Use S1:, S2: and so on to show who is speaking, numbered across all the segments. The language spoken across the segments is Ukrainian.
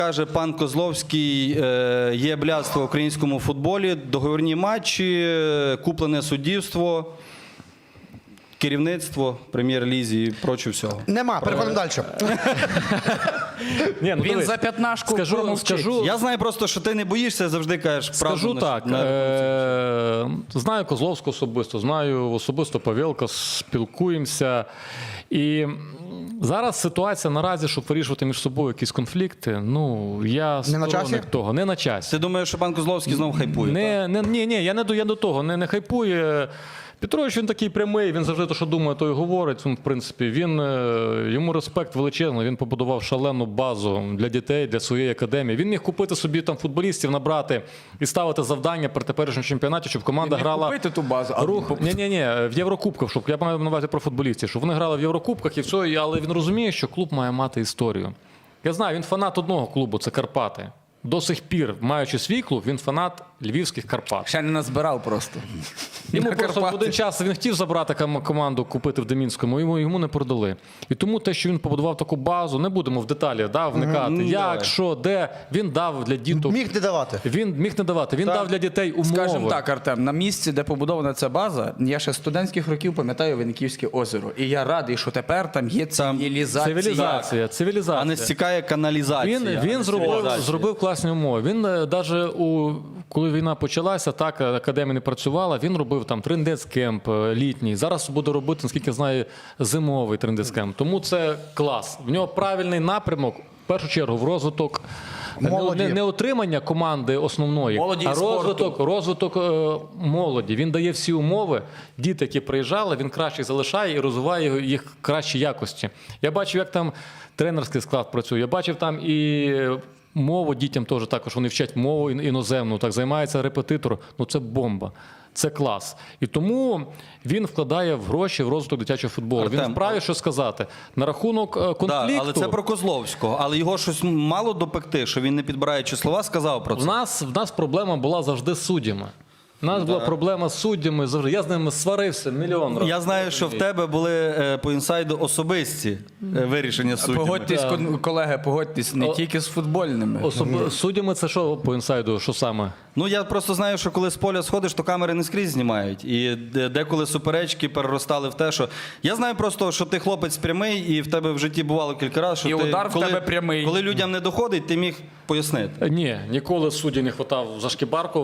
S1: Каже пан Козловський, є блядство в українському футболі, договірні матчі, куплене суддівство, керівництво, прем'єр-лізі і проче всього.
S2: Нема, переходимо далі.
S3: Ні, ну,
S4: Він за п'ятнашку
S3: скажу,
S1: Я знаю просто, що ти не боїшся, завжди кажеш правду.
S3: скажу так, знаю Козловського особисто, знаю особисто Павелка, спілкуємося. І зараз ситуація наразі, щоб вирішувати між собою якісь конфлікти, ну, я сторонник того. Не на часі.
S1: Ти думаєш, що пан Козловський знову хайпує?
S3: Ні, я не до того, не хайпує. Петрович, він такий прямий, він завжди те, що думає, то й говорить. В принципі, йому респект величезний, він побудував шалену базу для дітей, для своєї академії. Він міг купити собі там футболістів, набрати і ставити завдання при теперішньому чемпіонаті, щоб команда грала...
S4: купити ту базу,
S3: Ні, в Єврокубках, щоб я маю на увазі про футболістів, щоб вони грали в Єврокубках і все, але він розуміє, що клуб має мати історію. Я знаю, він фанат одного клубу, це Карпати. До сих пір, маючи свій клуб, він фанат львівських Карпат.
S4: Ще не назбирав просто.
S3: Йому просто в один час він хотів забрати команду, купити в Демінському, йому не продали. І тому те, що він побудував таку базу, не будемо в деталі вникати. Як, що, де, він дав для діток.
S2: Міг не давати.
S3: Він міг не давати, він дав для дітей умови.
S4: Скажімо так, Артем, на місці, де побудована ця база, я ще з студентських років пам'ятаю Винниківське озеро. І я радий, що тепер там є цивілізація.
S3: Цивілізація.
S1: А не стікає каналізація.
S3: Він зробив класні умови. Він навіть, коли війна почалася, так, академія не працювала, він робив там трендецкемп літній. Зараз буде робити, наскільки я знаю, зимовий трендецкемп. Тому це клас. В нього правильний напрямок, в першу чергу, в розвиток не отримання команди основної, а розвиток молоді. Він дає всі умови. Діти, які приїжджали, він краще залишає і розвиває їх кращі якості. Я бачив, як там тренерський склад працює. Я бачив там і мову дітям теж також. Вони вчать мову іноземну, так, займається репетитор. Ну це бомба. Це клас. І тому він вкладає в гроші в розвиток дитячого футболу. Він вправі що сказати. На рахунок конфлікту...
S1: Да, але це про Козловського. Але його щось мало допекти, що він, не підбираючи слова, сказав про це.
S3: В нас проблема була завжди з суддями. У нас була проблема з суддями завжди. Я з ними сварився мільйон разів.
S1: Я знаю, що в тебе були по інсайду особисті вирішення з суддями.
S4: Погодьтесь, колеги, погодьтесь, не тільки з футбольними.
S3: Суддями це що по інсайду, що саме?
S1: Ну, я просто знаю, що коли з поля сходиш, то камери не скрізь знімають. І деколи суперечки переростали в те, що... Я знаю просто, що ти хлопець прямий, і в тебе в житті бувало кілька разів, що
S4: і удар в тебе прямий.
S1: Коли людям не доходить, ти міг пояснити.
S3: Ні, ніколи судді не хватав за шкібарку.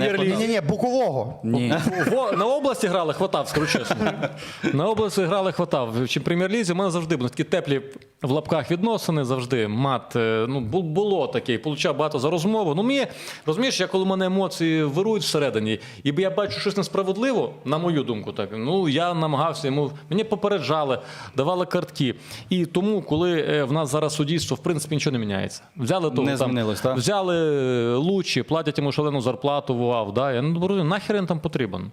S2: Ні, Букового.
S4: Ні.
S3: На області грали, хватав, скажу чесно. На області грали, хватав. В прем'єр-лізі у мене завжди були такі теплі в лапках відносини, завжди. Мат, ну, було таке, получав багато за розмову. Ну, мені, розумієш, я коли в мене емоції вирують всередині, і я бачу щось несправедливо, на мою думку, так, ну, я намагався йому, мені попереджали, давали картки. І тому, коли в нас зараз суддівство, в принципі, нічого не міняється. Взяли того,
S1: не змінилось, так?
S3: Взяли Лучі, платять йому шалену зарплату в УАВ, да? Я не розумію, нахер він там потрібен?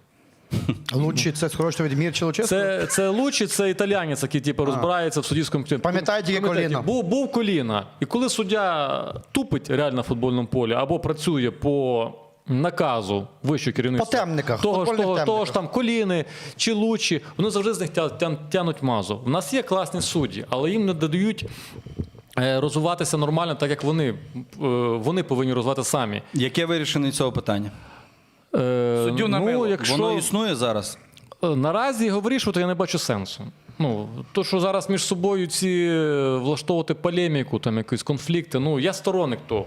S2: Лучший це скорочено від Мірча Луческу?
S3: Це Лучі, це італіянець, який типу, розбирається в суддівському...
S2: Пам'ятаєте, є коліна?
S3: Був коліна. І коли суддя тупить реально в футбольному полі або працює по наказу вищого керівництва,
S2: по темниках,
S3: того ж там коліни чи Лучі, вони завжди з них тянуть мазу. У нас є класні судді, але їм не додають розвиватися нормально, так як вони повинні розвивати самі.
S1: Яке вирішення цього питання?
S4: Суддю на мило.
S1: Воно існує зараз?
S3: Наразі його вирішувати я не бачу сенсу. Ну, то, що зараз між собою ці влаштовувати полеміку, там якісь конфлікти, ну, я сторонник того.